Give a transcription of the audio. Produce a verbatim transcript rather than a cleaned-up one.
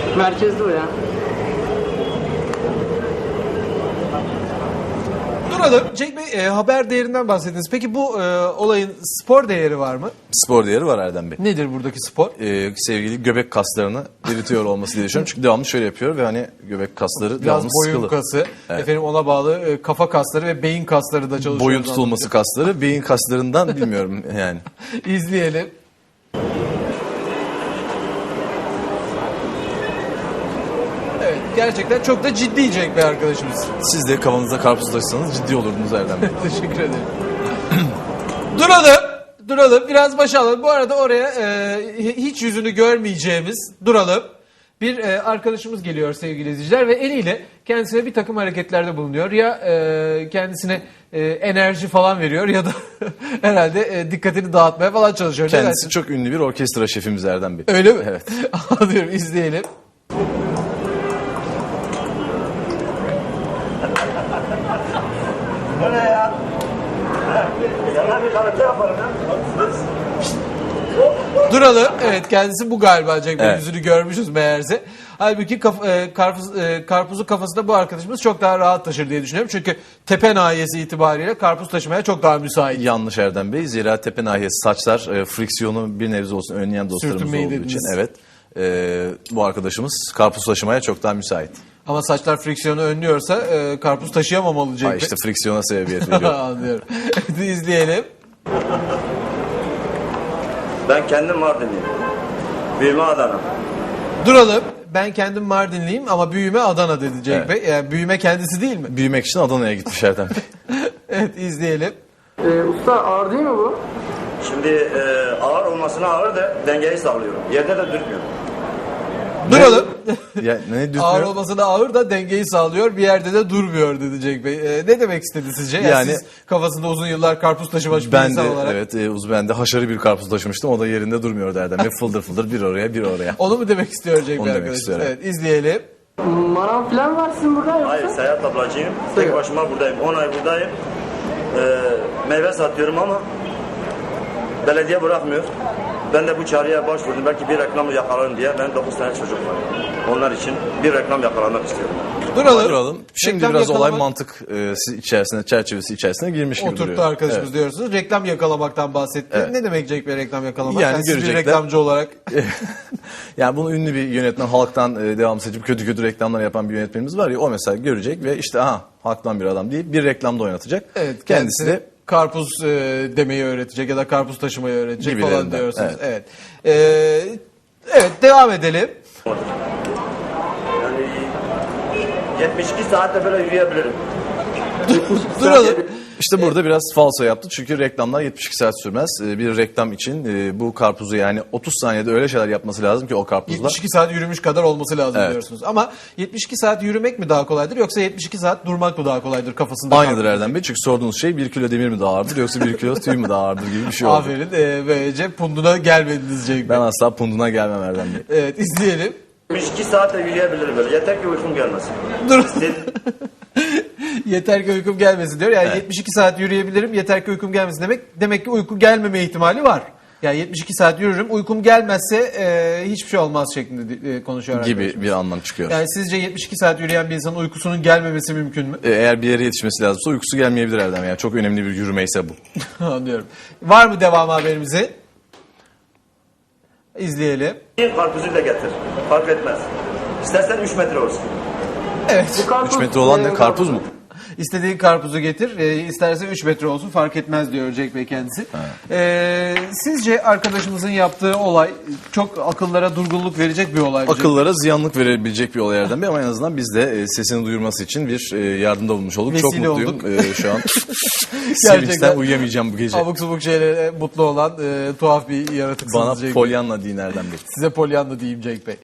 Merkezde o ya. Duralım. Cenk Bey, e, haber değerinden bahsettiniz. Peki bu e, olayın spor değeri var mı? Spor değeri var Erdem Bey. Nedir buradaki spor? Ee, sevgili göbek kaslarını eritiyor olması diye düşünüyorum. Çünkü devamlı şöyle yapıyor ve hani göbek kasları Biraz devamlı boyun sıkılı. kası, Evet. efendim ona bağlı e, kafa kasları ve beyin kasları da çalışıyor. Boyun tutulması kasları, beyin kaslarından bilmiyorum yani. İzleyelim. Evet, gerçekten çok da ciddi Cenk Bey arkadaşımız. Siz de kafanızda karpuz taşısanız ciddi olurdunuz Erdem Bey. Teşekkür ederim. Duralım. Duralım. Biraz başa alalım. Bu arada oraya e, hiç yüzünü görmeyeceğimiz Duralım. Bir e, arkadaşımız geliyor sevgili izleyiciler ve eliyle kendisine bir takım hareketlerde bulunuyor. Ya e, kendisine e, enerji falan veriyor ya da herhalde e, dikkatini dağıtmaya falan çalışıyor. Ne Kendisi dersin? çok ünlü bir orkestra şefimiz Erdem Bey. Öyle mi? Evet. Anlıyorum. İzleyelim. Bu ne ya? Yana bir kanıtı yaparım ya. Duralım. Evet, kendisi bu galiba Cenk Bey. Evet. Yüzünü görmüşüz meğerse. Halbuki kaf, e, karpuz, e, karpuzu kafasında bu arkadaşımız çok daha rahat taşır diye düşünüyorum. Çünkü tepe nahiyesi itibariyle karpuz taşımaya çok daha müsait. Yanlış Erdem Bey. Zira tepe nahiyesi saçlar e, friksiyonu bir nebze olsun önleyen dostlarımız Sürtünmeyi olduğu dediniz. için. Evet. E, bu arkadaşımız karpuz taşımaya çok daha müsait. Ama saçlar friksiyonu önlüyorsa e, karpuz taşıyamamalı Cenk Ha, Bey. işte friksiyona sebebiyet veriyor. Anlıyorum. Hadi izleyelim. Ben kendim Mardinliyim. Büyüme Adana. Duralım. Ben kendim Mardinliyim ama büyüme Adana dedi Cenk Evet. Bey. Yani büyüme kendisi değil mi? Büyümek için Adana'ya gitmiş Erdem Bey. Evet, izleyelim. Ee, usta ağır değil mi bu? Şimdi e, ağır olmasına ağır da dengeyi sağlıyorum. Yerde de dürtmüyorum. Duralım. Ya, ne düzmüyor? Ağır olmasına ağır da dengeyi sağlıyor, bir yerde de durmuyor dedi Cenk Bey. Ee, ne demek istedi sizce? Yani, Yani- siz kafasında uzun yıllar karpuz taşımış bir Ben de insan olarak. evet e, uz ben de haşarı bir karpuz taşımıştım. O da yerinde durmuyor Erdem Bey. Fıldır fıldır bir oraya bir oraya. Onu mu demek istiyor Cenk Onu Bey demek arkadaşlar? istiyorum. Evet, izleyelim. Manav falan var sizin burada yoksa? Hayır, seyahat ablacıyım. Tek Seyahat. başıma buradayım. on ay buradayım. E, meyve satıyorum ama belediye bırakmıyor. Ben de bu çağrıya başvurdum. Belki bir reklam yakalarım diye. Benim dokuz tane çocuk var. Onlar için bir reklam yakalamak istiyorum. Duralım. Duralım. Şimdi Reklam biraz olay yakalamak- mantık e, içerisine, çerçevesi içerisine girmiş gibi Oturttu duruyor. arkadaşımız Evet. diyorsunuz. Reklam yakalamaktan bahsetti. Evet. Ne demek Cenk Bey reklam yakalamak? Yani Yani siz bir görecekler. reklamcı olarak. Yani bunu ünlü bir yönetmen, halktan e, devam seçip kötü kötü reklamlar yapan bir yönetmenimiz var ya, o mesela görecek ve işte aha halktan bir adam deyip bir reklamda oynatacak. Evet, Kendisi de karpuz e, demeyi öğretecek ya da karpuz taşımayı öğretecek falan Gibilerinden, diyorsunuz. Evet. evet. Ee, evet, devam edelim. Yani yetmiş iki saatte böyle yürüyebilirim. Duralım. işte burada biraz falso yaptı çünkü reklamlar yetmiş iki saat sürmez. E, Bir reklam için e, bu karpuzu yani otuz saniyede öyle şeyler yapması lazım ki o karpuzla. yetmiş iki saat yürümüş kadar olması lazım Evet. diyorsunuz. Ama yetmiş iki saat yürümek mi daha kolaydır yoksa yetmiş iki saat durmak mı daha kolaydır kafasında? Aynıdır Erdem Bey çünkü sorduğunuz şey bir kilo demir mi daha ağırdır yoksa bir kilo tüy mü daha ağırdır gibi bir şey oldu. Aferin. E, böylece punduna gelmediniz Cenk Bey. Ben asla punduna gelmem Erdem Bey. Evet, izleyelim. yetmiş iki saatte yürüyebilirim böyle. Yeter ki uykum gelmesin. Dur. Siz- Yeter ki uykum gelmesin diyor. Yani Evet. yetmiş iki saat yürüyebilirim, yeter ki uykum gelmesin demek. Demek ki uyku gelmeme ihtimali var. Yani yetmiş iki saat yürürüm, uykum gelmezse e, hiçbir şey olmaz şeklinde e, konuşuyor Gibi arkadaşımız. bir anlam çıkıyor. Yani sizce yetmiş iki saat yürüyen bir insanın uykusunun gelmemesi mümkün mü? E, Eğer bir yere yetişmesi lazımsa uykusu gelmeyebilir Erdem. Yani çok önemli bir yürümeyse bu. Anlıyorum. Var mı devam haberimizi? İzleyelim. Bir karpuzu da getir. Fark etmez. İstersen üç metre olsun. Evet. üç metre olan ne? Karpuz mu? İstediğin karpuzu getir, e, isterse üç metre olsun fark etmez diyor Cenk Bey kendisi. E, sizce arkadaşımızın yaptığı olay çok akıllara durgunluk verecek bir olay mı? Akıllara ziyanlık verebilecek bir olay Erdem Bey ama en azından biz de e, sesini duyurması için bir e, yardımda bulmuş olduk. Çok Vesile mutluyum olduk. e, şu an. Sevinçten uyuyamayacağım bu gece. Abuk subuk şeylere mutlu olan e, tuhaf bir yaratıksınız Bana Cenk Bey. polyanla deyin Erdem Bey. Size polyanla diyeyim Cenk Bey.